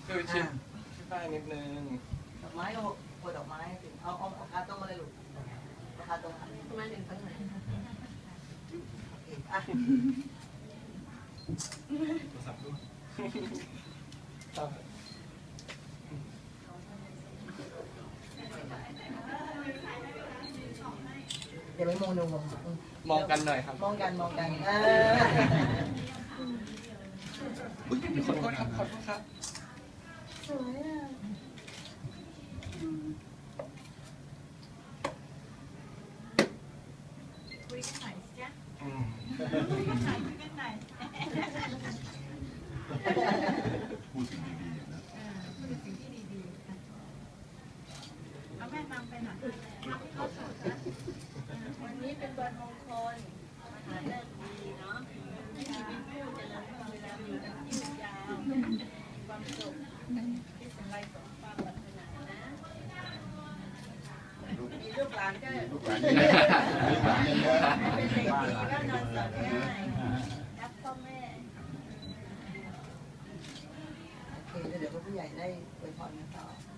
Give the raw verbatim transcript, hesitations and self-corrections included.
คือชิดใต้นิดนึงดอกไม้ก็โปรยดอกไม้ถึงเอาเอาเอาคาตรงมาเลยลูกคาตรงทำไมถึงตั้งไหนอ่ะเดี๋ยวไปมองดูมองมองกันหน่อยครับมองกันมองกันเออขอโทษครับขอโทษครับสวยอ่ะคุยกันหน่อยสิจ๊ะอืมคุยกันหน่อยคุยกันหน่อยพูดสิ่งดีๆนะพูดสิ่งที่ดีๆเอาแม่นำไปหน่อยวันนี้เป็นวันมงคลมหาเลิกษ์ดีเนาะให้ชีวิตคู่เจริญรุ่งเรืองอยู่กันยืดยาวความสุขที่สมไรสมความปรารถนานะมีลูกหลานก็ลูกหลานเยอะลูกหลานเยอะเป็นเด็กดีก็นอนสอนง่ายรักพ่อแม่โอเคเดี๋ยวผู้ใหญ่ได้อวยพรกันต่อ